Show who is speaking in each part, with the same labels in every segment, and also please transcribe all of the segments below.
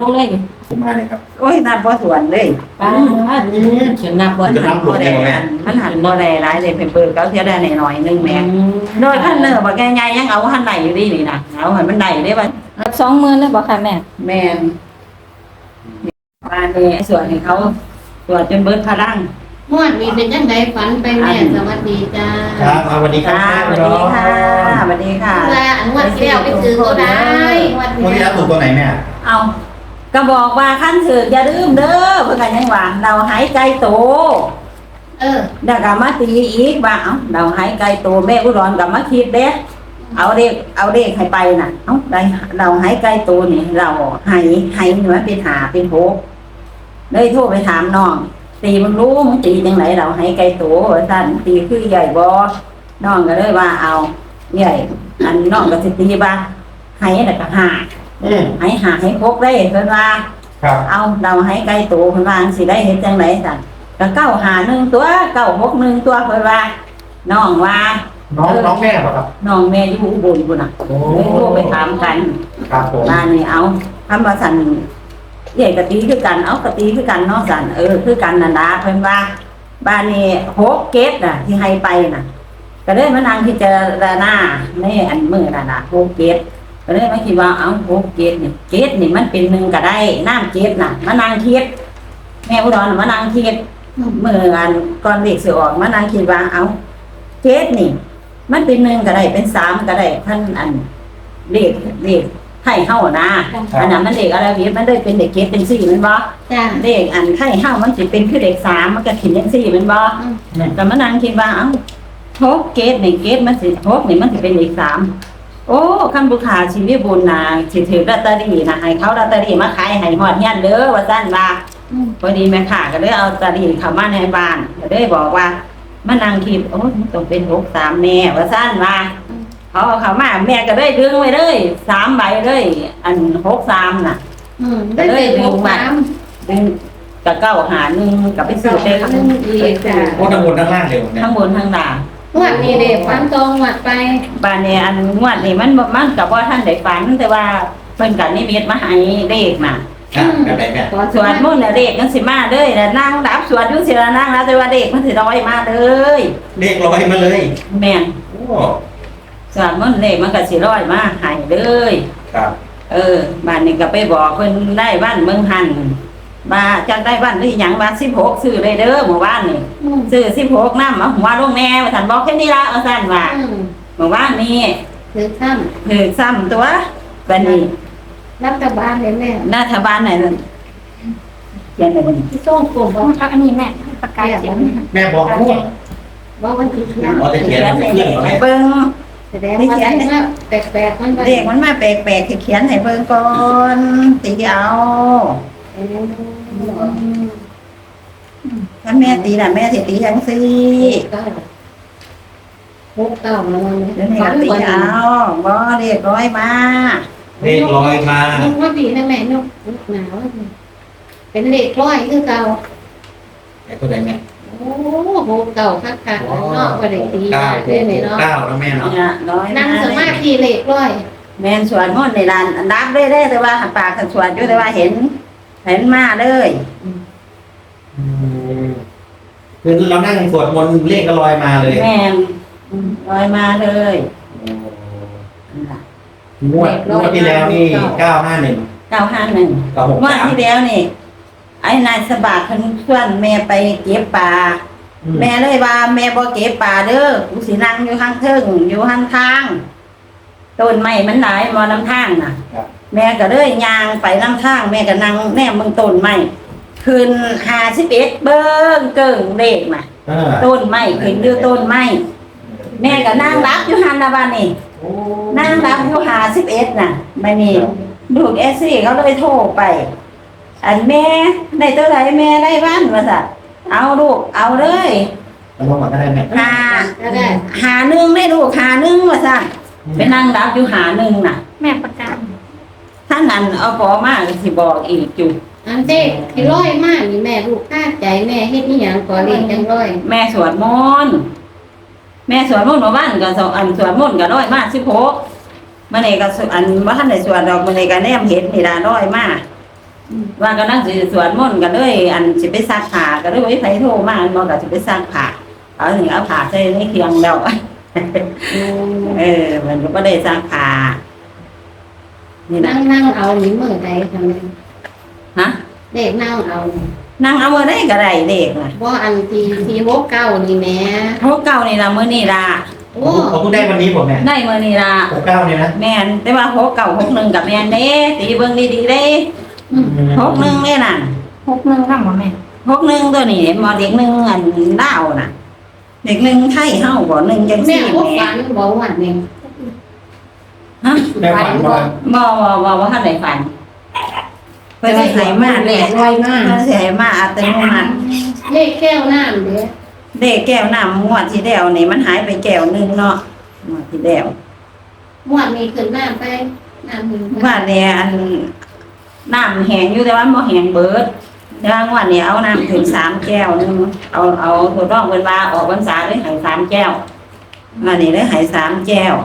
Speaker 1: ลงเลย
Speaker 2: ผมมาเลยครับ
Speaker 3: โอ้ยนับบ่สวนเลย
Speaker 1: ป้าฉันนับ
Speaker 3: มั
Speaker 1: ว่าน
Speaker 3: หันบ่ได้มันหันบ่ได้หลายเลยเปิดเขาเสียได้หน่อยนึงแม่โดยพันเนอร์บ่แก่ใหญ่ยังเอาหันได้อยู่ดีนี่นะเอาให้มันได้ได้บ่
Speaker 1: 20,000เลยบ่ค่ะแม่
Speaker 3: แม่นบ้านนี้ส่วนให้เขาตรวจจนเบิดพลัง
Speaker 4: งวดนี้เป็นยังไงฝันไปแม่สวัสดีจ้า
Speaker 2: ครับสวัสดีครั
Speaker 3: ค่ะ
Speaker 2: บ
Speaker 3: สวัสดีค่ะสวัสดีค่ะ
Speaker 4: ว่าอันงวดที่แล้วไปซื้อก็ได้งวด
Speaker 2: วันนี้
Speaker 4: ที่
Speaker 2: รับถูกตัวไหนแม่
Speaker 3: เอาก็บอกว่าขั้นถืออย่าลืมเด้อเพื่อกันยังว่าเราหายใจโต แล้วก็มาตีอีกว่าเราหายใจโตแม่อุดรกับมาคิดเด้เอาเด็กให้ไปน่ะได้เราหายใจโตนี่เราหายเหนือเป็นหาเป็นโหเลยโทรไปถามน้องตีมึงรู้มึงตีจังไหนเราหายใจโตสั่นตีคือใหญ่บ่น้องก็เลยว่าเอาใหญ่อันน้องก็สิตีบ้าหายแล้วก็หาให้พกได้เพิ่นว่า
Speaker 2: ครับ
Speaker 3: เอาเราให้ไกลตัวเพิ่นว่าสิได้เฮ็ดจังไดสั่นก็951ตัว961ตัวเพิ่นว่าน้องว่า
Speaker 2: น้องแม่ป่ะครับ
Speaker 3: น้องแม่อยู่อุบลพุ่นน่ะ
Speaker 2: โอ้
Speaker 3: เลยโทรไปถามกัน
Speaker 2: ครับผม
Speaker 3: บ้านนี้เอาคำว่าสั่นใหญ่กะตีคือกันเอากะตีคือกันเนาะสั่นคือกันนั่นล่ะเพิ่นว่าบ้านนี้6เกตน่ะที่ให้ไปน่ะก็เลยมานั่งพิจารณาในอันมื้อนั่นน่ะ6เกตก็เลยมาคิดว่า6เกตนี่เกตนี่มันเป็น1ก็ได้น้ำเกตน่ะมานั่งคิดแม่อุดรมานั่งคิดมื้ออันก่อนเลขสิออกมานั่งคิดว่าเกตนี่มันเป็น1ก็ได้เป็น3ก็ได้ท่านอันเลขไทยเฮานะอันนั้นมันเด็กอะไรเวียมันเลยเป็นเด็กเกตเป็น4แม่นบ่
Speaker 4: จ้า
Speaker 3: เด็กอันไทยเฮามันสิเป็นคือเด็ก3มันก็ขึ้นจัง4แม่นบ่ก็มานั่งคิดว่า6เกตนี่เกตมันสิ6นี่มันสิเป็นเลข3โอ้คันผู้ค้าชีวิตบุญน่ะสิถือลอตเตอรี่น่ะให้เขาลอตเตอรี่มาขายให้ฮอดเฮียนเด้อว่าซั่นว่าพอดีแม่ค้าก็เลยเอาลอตเตอรี่เข้ามาในบ้านก็เลยบอกว่ามานั่งคิดโอ้มันต้องเป็น63แน่ว่าซั่นว่าเขาเอาเข้ามาแม่ก็เลยดึงไว้เลย3ใบเลยอัน63น่ะ
Speaker 4: ได้เลยดึงมา
Speaker 3: ดึงกับ951กับไปซื้อได้ค่ะ
Speaker 2: โอ้ทั้งบนทั้งล่างเลยผมเนี่ย
Speaker 3: ทั้งบนทั้งล่าง
Speaker 4: งวดนี้เด็กฝันตรงงวดไป
Speaker 3: บ้านนี้อันงวดนี้มันก็บ่ทันได้ฝันแต่ว่าเพิ่นก็นิมิตมาให้เลขน่ะ
Speaker 2: แบบไหนแม่
Speaker 3: สวดมนต์น่ะเลขจังสิมาเลยแล้วนั่งรับสวดอยู่สิละนั่งแล้วแต่ว่าเลขมันสิลอยมาเลย
Speaker 2: เลขลอยมาเลย
Speaker 3: แม่น
Speaker 2: โอ้
Speaker 3: สวดมนต์เลขมันก็สิลอยมาให้เลย
Speaker 2: ครับ
Speaker 3: บ้านนี้ก็ไปบอกเพิ่นได้บ้านเมืองหันว่าจักได้บ้านหรือหยังว่า16ซื้อเลยเด้อหมู่บ้านนี่ซื้อ16นำเอาหัวลงแน่ว่าซั่นบอกแค่นี้ละเอาซั่นว่าหมู่บ้านนี้
Speaker 4: ถือซ้
Speaker 3: ถือซ้ำตัวบัดนี้
Speaker 4: ำรัฐบาลเลยแม่
Speaker 3: รัฐบาลไหนนั่นเขียนได้บ่นี่
Speaker 4: ที่ส่งกลุ่มบอก
Speaker 1: อันนี้แม่ประกาศเสียง
Speaker 2: แม่บอกพูด
Speaker 4: ว่าวันที่เขียน
Speaker 2: อ๋อจะเขียนให้เพื่อนเหรอแม่
Speaker 3: เบิ่ง
Speaker 4: แสดงว่าได้มาแปลกๆมัน
Speaker 3: เลขมันมาแปลกๆให้เขียนให้เบิ่งก่อนตีเอาถ้าแม่ตีน่ะแม่สิตีจังซี่
Speaker 4: 6 9มาวันนี้
Speaker 3: เดี๋ยวนี้ก็ตีเอาบ่เลขร้อยมา
Speaker 2: เลขลอยมา
Speaker 4: ว่าดีนะแม่นกหนาวเป็นเลขร้อยคือเก่า
Speaker 2: ไอ้ตัวไหนแม่
Speaker 4: โอ้โหเก่าคักๆเนาะบ่ได้ตี
Speaker 2: เก้า
Speaker 4: ได้ไหมเนาะ
Speaker 2: เก้าแล้วแม่เนาะ
Speaker 3: เนี่ยร้อย
Speaker 4: นั่งสมาธิเลขร้อย
Speaker 3: แม่นสวดมนต์ในลานนับได้แต่ว่าหันปากหันสวดอยู่แต่ว่าเห็นมาเลย
Speaker 2: คือเรานั่งสวดมนต์เลขก็ลอยมาเลย
Speaker 3: แม่นร้อยมาเลย
Speaker 2: งวดที่แล้วนี่951
Speaker 3: 951
Speaker 2: กับ
Speaker 3: ว่าที่แล้วนี่ไอ้นายสบาดเพิ่นชวนแม่ไปเก็บปลาแม่เลยว่าแม่บ่เก็บปลาเด้อกูสินั่งอยู่ข้างเทิงอยู่ข้างทางต้นไม้มันหลายบ่นำทางน่ะ แม่ก็เลยย่างไปนำทางแม่ก็นั่งแนมเบิ่งต้นไม้ขึ้น51เบิ่งเกิ่งเลขน่ะต้นไม้ขึ้นอยู่ต้นไม้แม่ก็นั่งรับอยู่หั่นน่ะบัดนี้นั่งรับอยู่51น่ะบัดนี้ลูกซี่เขาเลยโทรไป อันแม่ได้ตัวไหนแม่ได้บ้านมาสัตเอาลูกเอาเลย
Speaker 2: มันลงมาก็ได้แม่
Speaker 4: ก็ได้
Speaker 3: หาหนึ่งได้ลูกหาหนึ่งมาสัตไปนั่งรับอยู่หาหนึ่งน่ะ
Speaker 1: แม่ประกาศ
Speaker 3: ถ้างั้นเอาพอมากสิบอกอีกจุ
Speaker 4: อันเจ๊ที่ร้อยมากนี่แม่ลูกคาดใจแม่เฮ็ดอีหยังก่อเรียนจังร้อย
Speaker 3: แม่สวดมนต์แม่สวดมนต์มาบ้านก็อันสวดมนต์ก็ร้อยมาก16มื้อนี้ก็อันบ่ทันได้สวดดอกมื้อนี้ก็แนมเห็นนี่ล่ะร้อยมากว่ากำลังสิสวดมนต์กันเลยอันสิไปซักผ้าก็เลยไผโทรมาอันบอกก็สิไปซักผ้าเอาถึงเอาผ้าใส่ในเคียงแล้ว มันก็บ่ได้ซักผ้านี่นะ
Speaker 4: นั่งเอานี่มือใดทำไม
Speaker 3: ฮะ
Speaker 4: เด็กนั่งเอา
Speaker 3: นั่งเอามื้อใดก็ได้เด็กน่ะ
Speaker 4: บ่อันที่โฮเก้านี่แม่
Speaker 3: โทเก่านี่ล่ะมื้อนี้ล่ะ
Speaker 4: โอ้
Speaker 2: เขาเพิ่งได้วันนี้ผมเนี่ย
Speaker 3: ได้มื้อนี้ล่ะ
Speaker 2: 69เนี่ยนะ
Speaker 3: แม่นแต่ว่าโฮเก่า61กับแม่นเด้ตีเบิ่งดีๆเด้
Speaker 4: อืม
Speaker 3: 61นี่น่ะ
Speaker 1: 61นำบ่แม่
Speaker 3: 61ตัวนี้บ่เด็กหนึงอันลาวน่ะ เด็กหนึงไทยเฮาบ่หนึงจัง
Speaker 4: แม่
Speaker 3: ซี่
Speaker 4: บ่
Speaker 3: แหม่
Speaker 4: ฝันบ่วันนี้
Speaker 3: ฮะ
Speaker 2: แม่ฝันว่า
Speaker 3: บ่ทันได้ฝันเพิ่นสิให้มาเลข
Speaker 4: ลอยมาก
Speaker 3: เพิ่นสิให้มาอัตโนมัติ
Speaker 4: เลขแก้วน้ำเด้อ
Speaker 3: เด็กแก้วน้ำงวดที่แล้วนี่มันหายไปแก้วหนึงเนาะงวดที่แล้ว
Speaker 4: ม่วนมีขึ้นน้ำไปน้ำมี
Speaker 3: ว่าเนี่ยอันน้ำแห้งอยู่แต่ว่าบ่แห้งเบิดแต่ว่างวดนี้เอาน้ำถึง3แก้วนึงเอาทดลองเพิ่นว่าออกพรรษาเลยให้3แก้วอันนี้เลยให้3แก้ว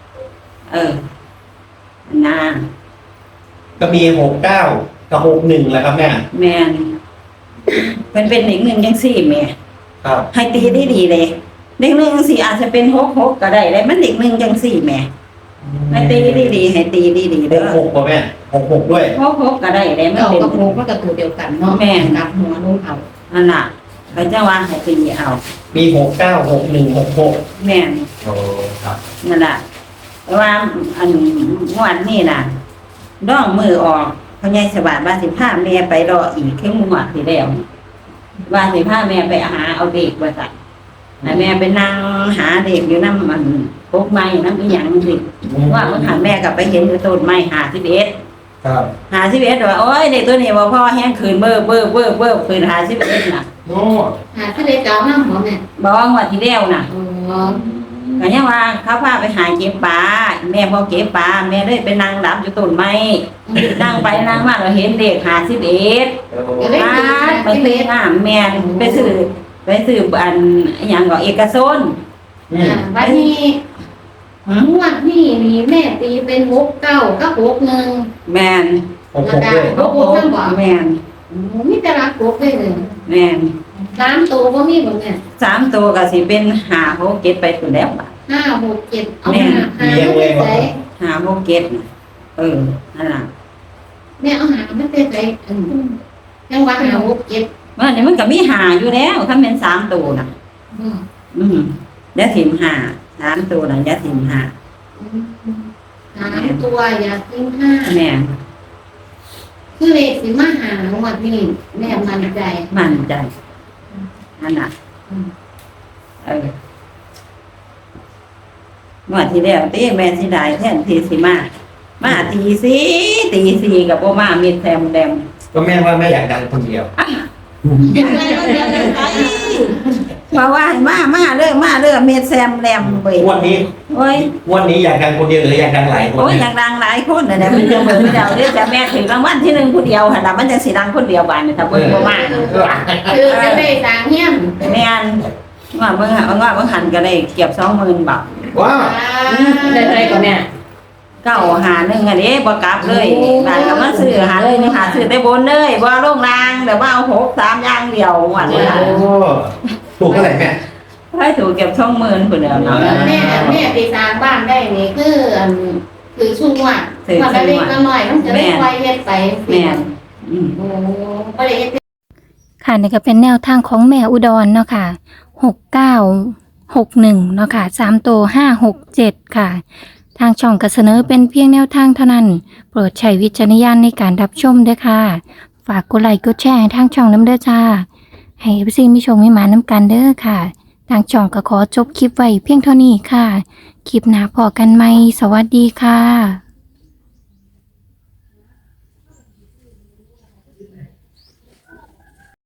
Speaker 3: นะ
Speaker 2: ก็มี69กับ61แหละครับแม่
Speaker 3: แม่นเป็นอีกหนึ่งจังซี่แม่
Speaker 2: ครับ
Speaker 3: ให้ตีได้ดีเลยเด็กหนึ่งสิอาจจะเป็น6ก็ได้เลยมันเด็กหนึ่งจังซี่แม่ให้ตีดีๆให้ตีดีๆเด้อ
Speaker 2: 66ป่ะแม่66ด้วย
Speaker 3: 6ก็ได้เลยมัน
Speaker 4: เก้า
Speaker 3: เป็น
Speaker 4: กับโฮก็ตัวเดียวกันเนาะ
Speaker 3: แม่น
Speaker 4: กับหัวนุ่งเอา
Speaker 3: นั่นน่ะเขาจะว่าให้ตีเอา
Speaker 2: มี69 61 66
Speaker 3: แม่น
Speaker 2: โอ้ครับ
Speaker 3: นั่นล่ะแต่ว่าอันงวดนี่น่ะด้องมือออกพญายสวัสดิ์ว่าสิพาแม่ไปรออีกเข้มงวดที่แล้วว่าสิพาแม่ไปหาเอาเด็กว่าสั่นให้แม่ไปนั่งหาเด็กอยู่น้ำมันพกไม้น้ำอีหยังสิว่าเมื่อหันแม่กลับไปเห็นอยู่ต้นไม้51
Speaker 2: ครับ
Speaker 3: 51ว่าโอ้ยเด็กตัวนี้บ่พ่อแห้งคืนเบ้อคืน51น่ะ
Speaker 2: โอ้
Speaker 4: หาทะเลเก่าน้ำบ่แม่
Speaker 3: บ่งวดที่แล้วน่ะ
Speaker 4: อ๋อ
Speaker 3: ก็ยังว่าเขาพาไปหาเก็บปลาแม่บ่เก็บปลาแม่เลยไปนั่งรับอยู่ต้นไม้นั่งไปนั่งมาเราเห็นเด็ก51
Speaker 4: ก็เลย
Speaker 3: ไปซื้อน้ำแม่ไปซื้ออันอหย่างก็เอกชน
Speaker 4: วันนี้งวดนี้นี่แม่ตีเป็นโฮเก้ากับโฮ1
Speaker 3: แม่น
Speaker 2: 66ด้วย
Speaker 3: แม่น
Speaker 4: มีแต่รักโฮได้เลย
Speaker 3: แม่น
Speaker 4: 3ตัวบ่มีบ่แม่
Speaker 3: 3ตัวก็สิเป็น5 6 7ไปพุ่นแล้วบาด
Speaker 4: 5 6 7เอาหาใส่
Speaker 3: 5 6 7นั่นล่ะ
Speaker 4: แม่เอาหามันเป็นไสยังว่า5 6 7
Speaker 3: ว่านี่มันก็มี5อยู่แล้วถ้าเป็น3ตัวน่ะอย่าถิ่ม5 3ตัวน่ะอย่าถิ่ม5
Speaker 4: 3ตัวอย่าทิ้ง5
Speaker 3: แม่น
Speaker 4: คือเลขสิมาหางวดนี้แม่มั่นใจ
Speaker 3: มั่นใจนั่นน่ะงวดที่แล้วตีแม่สิได้แทนที่สิมาตีสี่กับบ่มามีแซมแดม
Speaker 2: ก็แม่ว่าแม่อยากดังคนเดียว
Speaker 3: มาว่ามาเด้อเม็ดแซมแดมเว้ย
Speaker 2: วันนี้
Speaker 3: โอ้ย
Speaker 2: วันนี้อยากดังคนเดียวหรืออยากดังหลายคน
Speaker 3: โอ้ยอ
Speaker 2: เนี่ย
Speaker 3: ยากดังหลายคนน่ะเนี่ยมันจะเบิ่งเดียวเด้อจะแม่ถึงรางวัลที่1ผู้เดียวหั่นล่ะมันจังสิดังคนเดียวบาดนี่ถ้าเบิ่งบ่มา
Speaker 4: คือจะได้สร้างเฮียน
Speaker 3: แม่นว่าเบิ่งหันก็ได้เกือบ 20,000 บาท
Speaker 2: ว้าว
Speaker 1: ได้เท่าไหร่ก่อนแม่
Speaker 3: 951อันนี้บ่กลับเลยบาดก็มาซื้อหาเลยนี่หาซื้อแต่บนเลยบ่ลงล่างแต่ว่าเอา6 3อย่างเดียวว่า
Speaker 2: โอ้ถูกเท่าไหร่แม่
Speaker 3: ให้ถูกเก็บ20,000พุ่นแล้วเนาะ
Speaker 4: แม่ไปสร้างบ้านได้นี่คือช่วงว่าพอได้เล็กน้อยมันจะได้ไวเฮ็ดไป
Speaker 3: แม่น
Speaker 4: โอ้บ่ได้เฮ็ด
Speaker 1: ค่ะนี่ก็เป็นแนวทางของแม่อุดรเนาะค่ะ6961เนาะค่ะ3ตัว567ค่ะทางช่องก็เสนอเป็นเพียงแนวทางเท่านั้นโปรดใช้วิจารณญาณในการรับชมด้วยค่ะฝากกดไลค์กดแชร์ให้ทางช่องน้ำเด้อจ้าให้FCมีชมให้มาน้ำกันเด้อค่ะทางช่องก็ขอจบคลิปไว้เพียงเท่านี้ค่ะคลิปหน้าพอกันไหมสวัสดีค่ะ